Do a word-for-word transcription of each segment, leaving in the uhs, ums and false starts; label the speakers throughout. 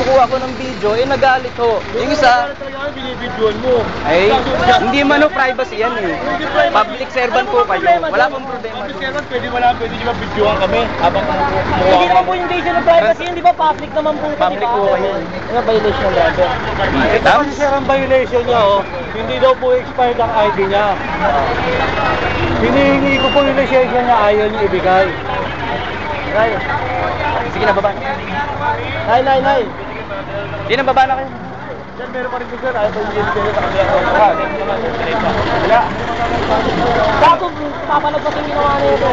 Speaker 1: kumukuha ko ng video, eh nagalit ho. Yung isa,
Speaker 2: binibidyoan mo.
Speaker 1: ay, hindi man ho privacy yan eh. Public servant po kayo. Wala pong problema.
Speaker 2: Public servant, pwede wala, pwede di ba bidyoan kami habang kumukuha.
Speaker 3: Hindi naman po invasion of privacy yun, di ba? Public naman po.
Speaker 1: Public po kayo.
Speaker 3: Ano violation ng driver?
Speaker 2: Ito kasi sir ang violation niya, oh. Hindi daw po expired ang I D niya. Hinihingi ko po yung lisensya niya, ayaw niya ibigay.
Speaker 3: Nay.
Speaker 1: Sige na, baba.
Speaker 3: Nay, nay, nay.
Speaker 1: Hindi na, baba na kayo.
Speaker 2: Sir, meron pa rin po sir, ayaw po yung lisensya sa kanila. Wala.
Speaker 3: Bago, papalag pa yung ginawa na ito.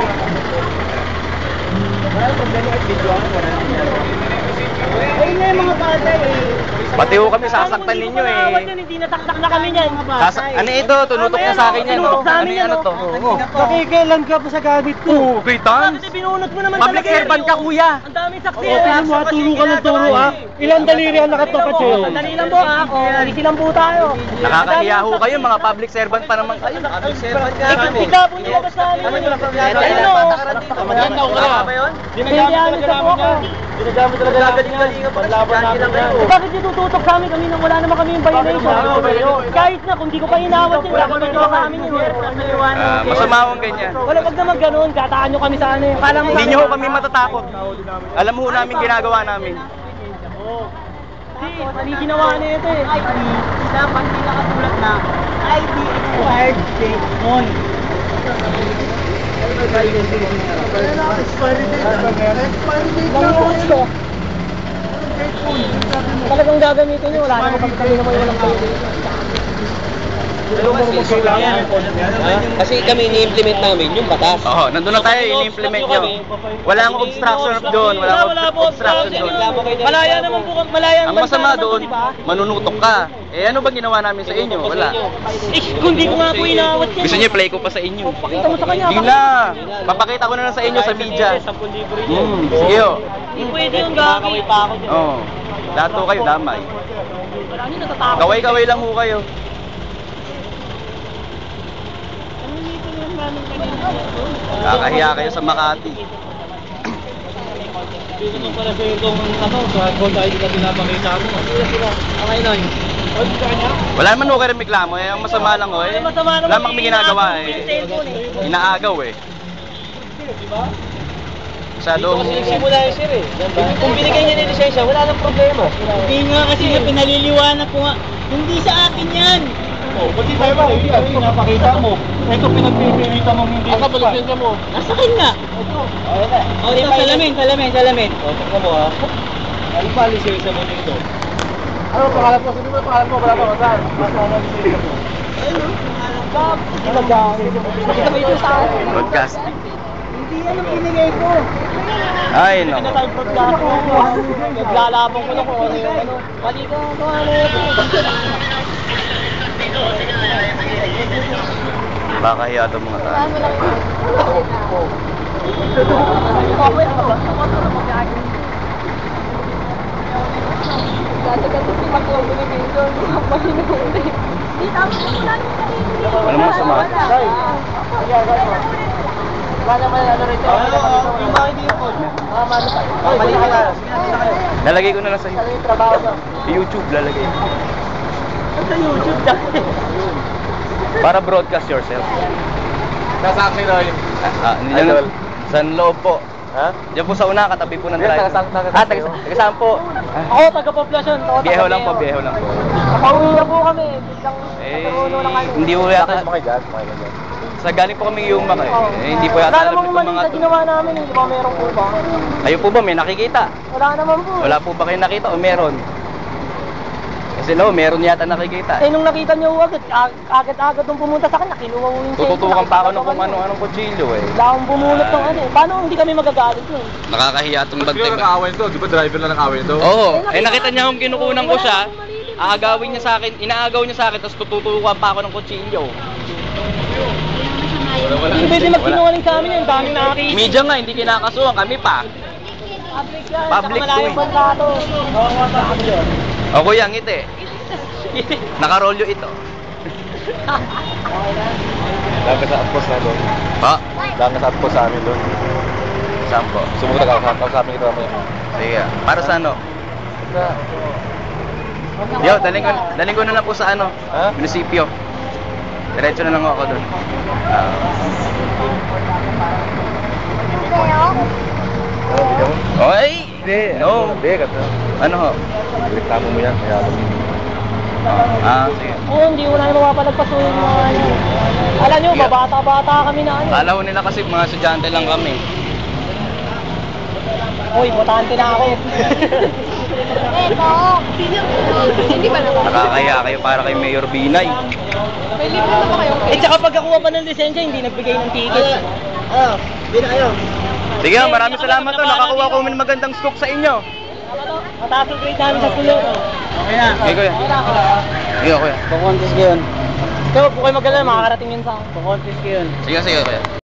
Speaker 1: Wala problema at video ako.
Speaker 3: Ayun na yung mga bata eh.
Speaker 1: Pati ho kami sasaktan ninyo eh.
Speaker 3: Hindi nataktak na kami niyan.
Speaker 1: Sasa ano ito? Tunutok na sa akin yan.
Speaker 3: Tinutok sa amin
Speaker 1: Ano
Speaker 3: yan.
Speaker 1: ano to?
Speaker 2: Nakikailan ka pa sa gamit ko.
Speaker 1: Oo, kita.
Speaker 3: Bakit binunot mo naman
Speaker 1: Public
Speaker 3: talaga eh.
Speaker 1: servant ka, kuya.
Speaker 3: Ang daming saksi.
Speaker 2: Oo, tingnan mo ha, turo ka ng turo ha. Ilang daliri ang nakatakot sa'yo?
Speaker 3: Sandali lang po ha. Easy lang po tayo.
Speaker 1: Nakakahiya ho kayo, mga public servant pa naman kayo. Public servant ka kami.
Speaker 3: Ikaw po nilabas namin. Ayun o.
Speaker 2: Maganda ko ka.
Speaker 3: Ginagamit talaga namin yan.
Speaker 2: Ginagamit talaga namin yan. Panlaban namin yan.
Speaker 3: Bakit ditututok sa amin? Kami nang wala naman kami yung violation. Kahit na kung di ko pa inawat yun, dapat nagawa sa amin yun.
Speaker 1: Ah, masama akong ganyan.
Speaker 3: Wala, wag naman ganun. Gataan nyo kami sa ano eh. Kala mo
Speaker 1: Hindi nyo ho kami matatakot. Alam mo ho namin ginagawa namin.
Speaker 3: Hindi, mali ginawa na ito eh.
Speaker 4: I D, dapat hindi nakasulat na I D expired date on.
Speaker 3: Talagang gagamitin nyo, wala naman kami kami naman walang violation.
Speaker 4: Kasi kami ini-implement namin yung batas.
Speaker 1: Oo, nandun na tayo, ini-implement nyo. Walang obstruction doon, walang
Speaker 3: Wala, wala po
Speaker 1: obstruction doon.
Speaker 3: Malaya naman po, malaya
Speaker 1: Ang
Speaker 3: naman
Speaker 1: masama
Speaker 3: naman po,
Speaker 1: doon,
Speaker 3: di ba?
Speaker 1: manunutok ka. Eh ano ba ginawa namin sa inyo? Wala.
Speaker 3: Eh, kung di ko nga po inawat yan.
Speaker 1: Gusto niyo play ko pa sa inyo?
Speaker 3: Pakita mo sa kanya.
Speaker 1: Hindi na. Papakita ko na lang sa inyo sa media. Hmm, sige ho.
Speaker 3: Hindi pwede yung gagawin pa ako.
Speaker 1: Oo. Lahat ho kayo damay.
Speaker 3: Wala nyo natatakot.
Speaker 1: Kaway-kaway lang ho kayo. Kakahiya kayo sa Makati.
Speaker 2: Dito mo pala sa itong ano, sa gold I D na pinapakita mo.
Speaker 3: Okay, Noy.
Speaker 1: Wala naman ho kayo reklamo eh. Ang masama lang ho eh.
Speaker 3: Masama naman
Speaker 1: Wala mang kami ginagawa
Speaker 3: yung
Speaker 1: eh.
Speaker 3: cellphone eh.
Speaker 1: Inaagaw eh. Masyadong...
Speaker 4: Kasi nagsimula yung sir eh. Kung binigay niya ng lisensya, wala nang problema.
Speaker 3: Hindi nga kasi nga pinaliliwanag ko nga. Hindi sa akin yan.
Speaker 2: Oh, pati tayo ba? Hindi ano pinapakita mo. Ito pinagpipilita mo hindi. Asa ba lisensya mo?
Speaker 3: Nasa akin nga. O, ito, salamin, salamin, salamin.
Speaker 2: O, tignan mo ha. Ano ba lisensya mo dito? Ano pangalan mo? Sino ba pangalan mo? Wala pa masan. Masama lisensya mo.
Speaker 3: Hindi mag-gamit. Nakita mo ito sa akin.
Speaker 1: Broadcasting.
Speaker 3: Hindi yan ang binigay ko.
Speaker 1: Ay,
Speaker 3: Hindi na
Speaker 1: nako.
Speaker 3: tayo broadcast ko. Naglalabang ko lang kung ano yung ano. Mali ko kung ano yun.
Speaker 1: Baka hiya itong mga tao. Walang masama.
Speaker 3: Wala naman ano rito.
Speaker 2: Yung mga hindi ko.
Speaker 3: Mali ka na.
Speaker 1: Lalagay ko na lang sa
Speaker 3: Trabaho ko.
Speaker 1: YouTube. Lalagay ko.
Speaker 3: Sa YouTube dahil.
Speaker 1: Para broadcast yourself.
Speaker 2: Nasa akin na yun.
Speaker 1: Ah, hindi lang. Sa loob po.
Speaker 2: Ha?
Speaker 1: Diyan po sa una, katabi po ng
Speaker 2: Yes,
Speaker 1: driver.
Speaker 2: taga- taga-
Speaker 1: Ah, taga taga saan po?
Speaker 3: Ako, taga-population. Ako,
Speaker 1: Bieho
Speaker 3: taga-
Speaker 1: lang po, bieho lang po.
Speaker 3: Nakauwi na po kami. Biglang
Speaker 1: Eh,
Speaker 3: nagkaroon na kami.
Speaker 1: hindi po yata.
Speaker 2: Makigas, makigas.
Speaker 1: Sa galing po kami yung mga
Speaker 3: Oo.
Speaker 1: eh. Hindi po yata
Speaker 3: Wala
Speaker 1: alam
Speaker 3: namang
Speaker 1: itong
Speaker 3: mali
Speaker 1: mga
Speaker 3: sa
Speaker 1: to.
Speaker 3: ginawa namin. Hindi ba meron po ba?
Speaker 1: Kayo po ba may nakikita?
Speaker 3: Wala naman po.
Speaker 1: Wala po ba kayo nakita o meron? Kasi lo, meron yata nakikita.
Speaker 3: Eh, nung nakita niyo agad, ag- agad-agad nung pumunta sa akin, nakinuha ko yung cellphone.
Speaker 1: Tututukan pa ako ng
Speaker 3: nakita
Speaker 1: kung
Speaker 3: ko
Speaker 1: ano-anong kutsilyo eh.
Speaker 3: Wala akong bumunot ng ano eh. Paano hindi kami magagalit yun?
Speaker 1: Nakakahiya itong
Speaker 2: Ba't kayo nag-aaway nito? Di ba driver lang nag-aaway nito?
Speaker 1: Oo, eh nakita niya akong kinukunan ko siya. Aagawin niya sa akin, inaagaw niya sa akin, tapos tututukan pa ako ng kutsilyo.
Speaker 3: Hindi pwede magsinungaling sa amin yun. Dami nakakita.
Speaker 1: Media nga, hindi kinakasuhan, kami pa.
Speaker 3: Public yan.
Speaker 1: Public
Speaker 3: Saka malayong
Speaker 1: to eh.
Speaker 3: bansa to.
Speaker 1: O kuya, ngiti. Nakarolyo ito.
Speaker 2: Lang ka sa outpost na doon.
Speaker 1: Ha?
Speaker 2: Lang ka sa outpost sa amin doon.
Speaker 1: Saan po?
Speaker 2: Sumunod ka sa sa amin ito mo.
Speaker 1: Sige, para sa ano?
Speaker 2: Na.
Speaker 1: Yo, daling ko, daling ko na lang po sa ano,
Speaker 2: Ha?
Speaker 1: munisipyo. Diretso na lang ako doon. Ah.
Speaker 2: Ano, bigyan mo?
Speaker 1: Oy!
Speaker 2: Hindi.
Speaker 1: No.
Speaker 2: Hindi, kasi.
Speaker 1: Ano ho?
Speaker 2: Reklamo mo yan, kaya ako.
Speaker 1: Ah, sige.
Speaker 3: Oo, hindi ko na mapapalagpasuhin mga ano. Alam nyo, babata-bata kami na ano.
Speaker 1: Kala ko nila kasi mga estudyante lang kami.
Speaker 3: Uy, botante na ako.
Speaker 4: Hindi ba naman?
Speaker 1: Nakakaya kayo para kay Mayor Binay.
Speaker 4: May libre na ba kayo?
Speaker 3: Eh, tsaka pagkakuha pa ng lisensya, hindi nagbigay ng ticket.
Speaker 4: Oo, hindi na kayo.
Speaker 1: Sige, maraming salamat to. Nakakuha ko ng magandang scoop sa inyo.
Speaker 3: Mataas ang grade namin sa pulo.
Speaker 4: Okay na.
Speaker 1: Okay, kuya. Sige, kuya.
Speaker 3: Kukontis ko yun. Ikaw, po kayo mag-alala, makakarating yun sa akin. Kukontis ko yun.
Speaker 1: Sige, sige, kuya.